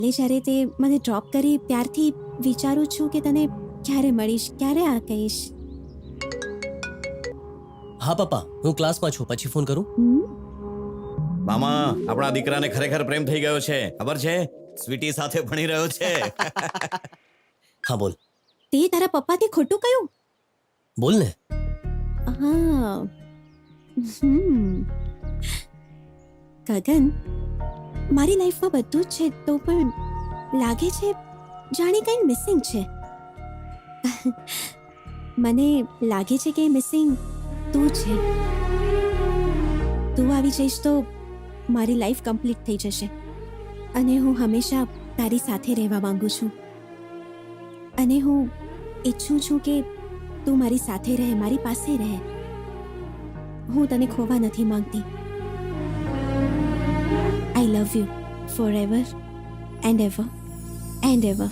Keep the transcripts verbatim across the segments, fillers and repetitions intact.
એટલે જ્યારે તે મને ડ્રોપ કરી ત્યારથી વિચારું છું કે તને ક્યારે મળીશ, ક્યારે આ કહીશ. હા પપ્પા, હું ક્લાસમાં છું, પછી ફોન કરું. હમ? મામા, આપણા દીકરાને ખરેખર પ્રેમ થઈ ગયો છે, ખબર છે? સ્વીટી સાથે ભણી રહ્યો છે. હા બોલ તે તારા પપ્પાથી ખોટું કયું? બોલ ને. હા. હમ. ગગન, મારી લાઈફમાં બધું જ છે તો પણ લાગે છે જાણે કંઈ મિસિંગ છે. મને લાગે છે કે મિસિંગ તું છે. તું આવી જઈશ તો મારી લાઈફ કમ્પ્લીટ થઈ જશે અને હું હંમેશા તારી સાથે રહેવા માંગુ છું અને હું ઈચ્છું છું કે તું મારી સાથે રહે, મારી પાસે રહે. હું તને ખોવા નથી માંગતી. I love you forever and ever and ever.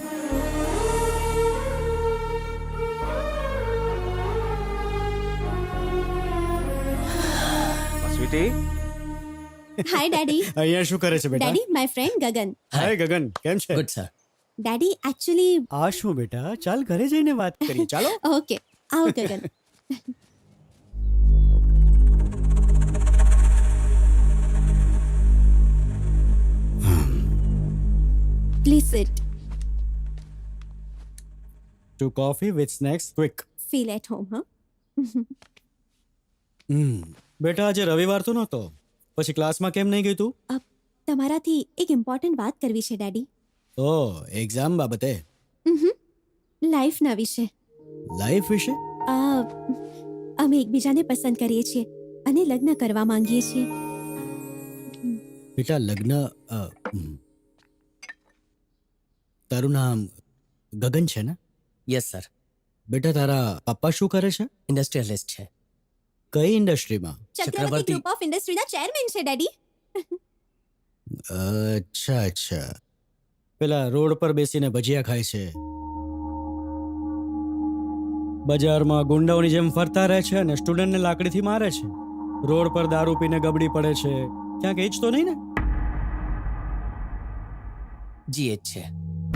Sweety, hi daddy. અહીંયા શું કરે છે બેટા? Daddy, my friend Gagan. Hi Gagan, કેમ છે? Good sir. ડેડી એકચ્યુઅલી આ શું બેટા, ચાલ ઘરે જઈને વાત કરી. ચાલો. ઓકે, આવો Gagan. Please sit. Two coffee with snacks quick. Feel at home. હા. હમ બેટા, આજે રવિવાર તો નહોતો, પછી ક્લાસમાં કેમ નહીં ગઈ તું? તમારાથી એક ઇમ્પોર્ટન્ટ વાત કરવી છે ડેડી. ઓ, એક્ઝામ બાબતે? લાઈફના વિશે. લાઈફ વિશે? આ, અમે એકબીજાને પસંદ કરીએ છીએ અને લગ્ન કરવા માંગીએ છીએ. બેટા લગ્ન અ, હમ. તારું નામ ગગન છે ને? Yes sir. બેટા તારા પપ્પા શું કરે છે? ઇન્ડસ્ટ્રીયલિસ્ટ છે. કઈ ઇન્ડસ્ટ્રીમાં? ચક્રવર્તી ચક્રવર્તી. ગ્રુપ ઓફ ઇન્ડસ્ટ્રીના ચેરમેન છે ડેડી. અચ્છા અચ્છા. પેલા રોડ પર બેસીને ભજીયા ખાય છે, બજારમાં ગુંડાઓની જેમ ફરતા રહે છે અને સ્ટુડન્ટને લાકડીથી મારે છે, રોડ પર દારૂ પીને ગબડી પડે છે. ક્યાંક એ જ તો નહીં ને? જી એચ છે.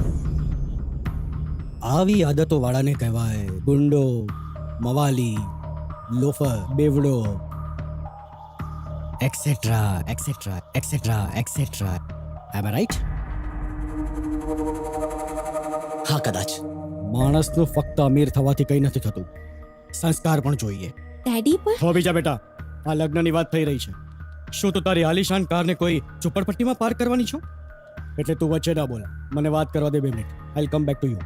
આવી આદતો વાળાને કહેવાય ગુંડો, મવાલી, લોફર, બેવડો, એક્સેટ્રા એક્સેટ્રા એક્સેટ્રા એક્સેટ્રા. એમ રાઈટ? હા કદાચ. માણસનું ફક્ત અમીર થવાથી કંઈ નથી થતું, સંસ્કાર પણ જોઈએ. ડેડી પણ હો બીજા બેટા, આ લગ્નની વાત થઈ રહી છે. શું તું તારી આલિશાન કારને કોઈ ઝુંપડપટ્ટીમાં પાર્ક કરવાની છો? એટલે તું વચ્ચે ના બોલ, મને વાત કરવા દે બે minute. I come back to you.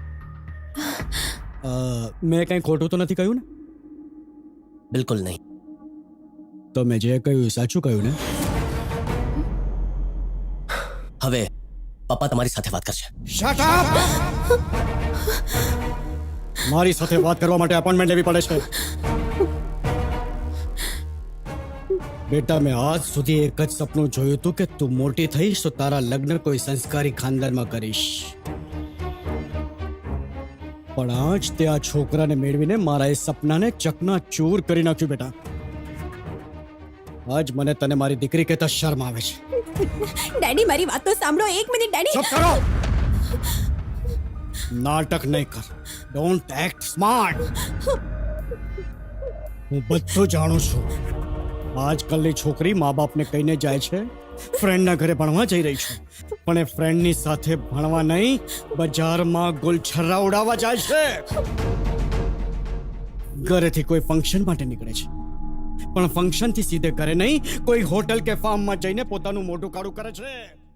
મેં કંઈ ખોટું તો નથી કહ્યું ને? બિલકુલ નહીં. તો મેં જે કહ્યું સાચું કહ્યું ને? હવે પપ્પા તમારી સાથે વાત કરશે. Shut up! મારી સાથે વાત કરવા માટે અપોઇન્ટમેન્ટ લેવી પડે છે. બેટા, મેં આજ સુધી એક જ સપનું જોયું હતું કે તું મોટી થઈશ તો તારા લગ્ન કોઈ સંસ્કારી ખાનદાનમાં કરીશ. પણ આજ તે આ છોકરાને મેળવીને મારા એ સપનાને ચકના ચૂર કરી નાખ્યું. બેટા, આજ મને તને મારી દીકરી કહેતા શરમ આવે છે. ડેડી મારી વાત તો સાંભળો એક મિનિટ ડેડી. ચૂપ કરો! નાટક નહીં કર. Don't act smart. હું બધું જાણું છું. આજકાલની છોકરી મા બાપને કહીને જાય છે ફ્રેન્ડના ઘરે ભણવા જઈ રહી છે, પણ એ ફ્રેન્ડની સાથે ભણવા નહીં, બજારમાં ગુલછર્રા ઉડાવવા જાય છે. ઘરેથી કોઈ ફંક્શન માટે નીકળે છે, પણ ફંક્શનથી સીધે ઘરે નહીં, કોઈ હોટલ કે ફાર્મમાં જઈને પોતાનું મોઢું કાળું કરે છે.